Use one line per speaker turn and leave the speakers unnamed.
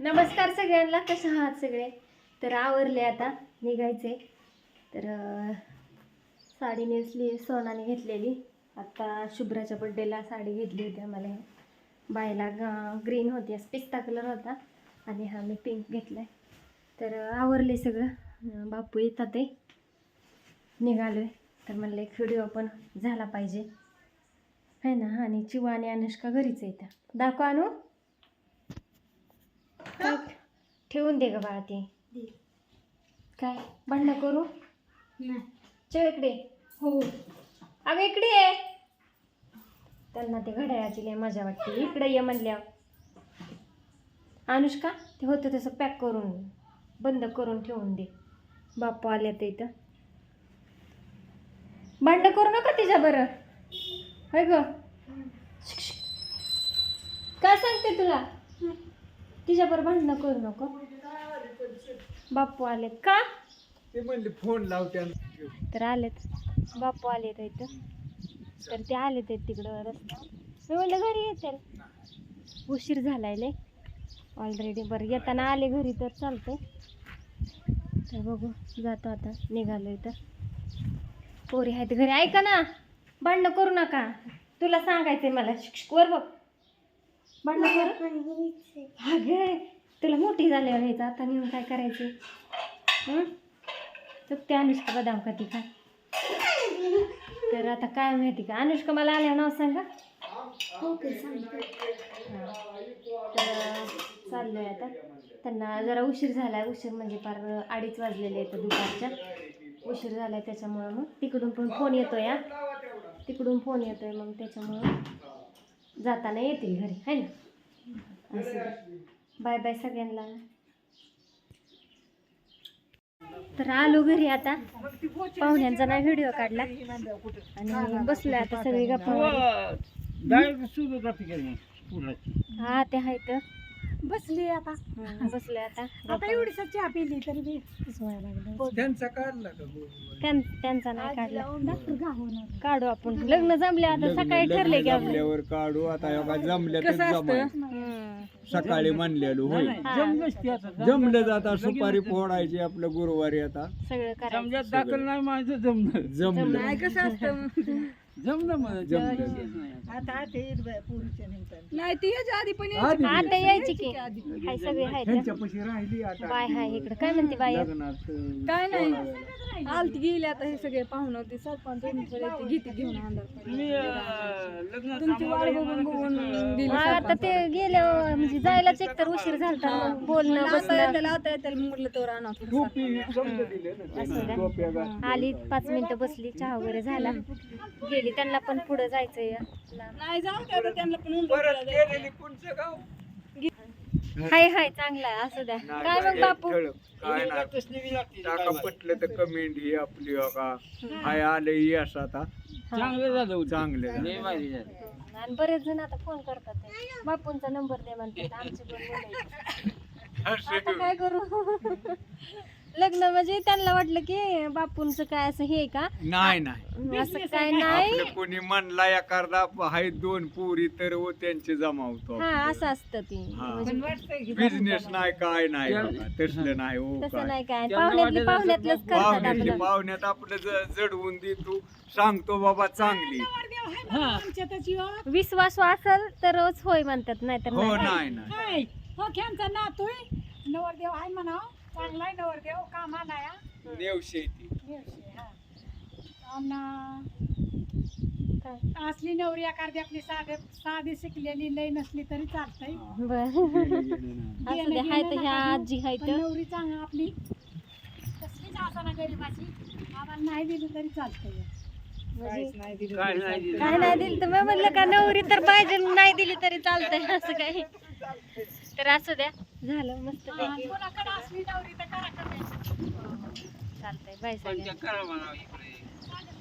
नमस्कार सगळ्यांना, कशा आहात सगळे? तर आवरले आता निघायचे. तर साडी नेसली, सोनाने घेतलेली. आता शुभ्राच्या बड्डेला साडी घेतली होती आम्हाला. बायला ग्रीन होती, पिस्ता कलर होता आणि हा मी पिंक घेतलाय. तर आवरले सगळं. बापू येतात ते निघालोय. तर म्हणलं एक व्हिडिओ पण झाला पाहिजे है ना. आणि चिवा आणि अनुष्का घरीच येतात. दाखव आणू, काय ठेवून दे ग बाळा. ते काय भांडणं करू नाही. चल इकडे. हो अगं इकडे ये. त्यांना ते घड्याळाची लय मजा वाटते. इकडे ये म्हणल्यावर. अनुष्का ते होतं तसं पॅक करून बंद करून ठेवून दे. बापू आले तर इथं. भांडणं करू नका तिच्या बरं, होय ग. काय सांगते तुला? तिच्याबरोबर भांडणं करू नको. बापू आलेत का?
ते म्हणले फोन लावते.
तर आलेत बापू आलेत इथं. तर ते आलेत तिकडं रस्ता. मी म्हणलं घरी येतील, उशीर झालाय लय ऑलरेडी. बरं येताना आले घरी तर चालतंय. तर बघू, जातो आता, निघालोय. तर पोरी आहेत घरी. ऐका ना, भांडणं करू नका. तुला सांगायचंय मला. वर बघ, भांडणं करू. अगे तुला मोठी झाल्यावर यायचं, आता नेऊन काय करायचं? चुकते अनुष्का बदाम खाती का? तर आता काय माहिती का, अनुष्का मला आल्यावर नाव सांगा. तर चाललोय आता. त्यांना जरा उशीर झालाय. उशीर म्हणजे फार 2:30 वाजलेले आहेत दुपारच्या. उशीर झालाय त्याच्यामुळं मग तिकडून पण फोन येतोय. तिकडून फोन येतोय, मग त्याच्यामुळं जाताना येतील घरी, है ना. असं बाय बाय सगळ्यांना. तर आलो घरी आता. पाहुण्यांचा नाही व्हिडिओ काढला आणि बसलोय आता सगळी गप्पा. हा ते आहे तर बसली आता. बसले आता. एवढी चहा पिली तरी
त्यांचा काढला का?
त्यांचा नाही काढला. काढू आपण. लग्न जमले आता. सकाळी ठरले की
जमल्यावर काढू. आता जमल्या सकाळी म्हणलेलो होय. जमलं जाता सुपारी फोडायची आपलं गुरुवारी. आता
सगळं करायचं.
दाखल नाही माझं जमलं.
जमलं
कसं असतं.
जमलं मला.
नाही ती आधी पण आता यायची की हाय सगळे हाय.
त्यांच्यापाशी राहिली आता.
बाय हाय इकडे. काय म्हणते बाय?
काय नाही, आलती गेली आता. हे सगळे पाहुणे होते. सरपंच घेते घेऊन
मी
तुमची वाट बघून बघून दिली.
आता ते गेल्या म्हणजे जायलाच एकतर उशीर झालता. मग बोलणं बसणं
लावता येते म्हटलं तर आणा.
आली 5 मिनिटं बसली. चहा वगैरे झाला, गेली. त्यांना पण पुढे जायचंय.
नाही जाऊ द्या त्यांना पण.
परत गेलेली पुढचं गाव.
हाय हाय चांगला आहे, असू द्या. काय मग बापू?
काय नाही, टाका पटलं तर कमेंट ही आपली का हाय आले यश. आता
चांगलं झालं.
चांगले
लय भारी झालं.
आणि बरेच जण आता फोन करतात. बापूंचा नंबर दे म्हणतात. आमचे 2 मुलं आता काय करू? लग्न म्हणजे त्यांना वाटलं की बापूंचं काय असं हे का?
नाही
असं काय नाही.
आपलं कोणी म्हणला एखादा हाय 2 पोरी तर त्यांचे जमावतो.
हा असं असतं ती.
बिझनेस नाही काय नाही बाबा, तसलं नाही. हो
तसं
काय
नाही काय. पाहुण्यातलंच करतात आपलं.
पाहुण्यात आपलं जडवून दे. तू सांगतो बाबा चांगली.
विश्वास असेल तरच होय म्हणतात, नाही तर
हो
नाही.
नाही
हो ख्यांचा नातोय नवरदेव आहे म्हणा. चांगलाय नवरदेव, कामाला
नेव शेती.
असली नवरी एखादी आपली साधी शिकलेली लई नसली तरी चालतंय.
बर असू दे. हाय तर ह्या आजी हाय तर.
नवरी चांगली आपली कसलीच असाना गरीबाची. आम्हाला नाही दिली तरी चालतंय.
काय नाही
काय नाही दिली तर मी म्हणलं का नवरी तर पाहिजे, नाही दिली तरी चालतंय. असं काही. तर असू द्या. झालं मस्त पैकी.
कोणाकडे असली नवरी तर करा कमी.
चालतंय. बाय सगळ्यांना.
करा म्हणा इकडे.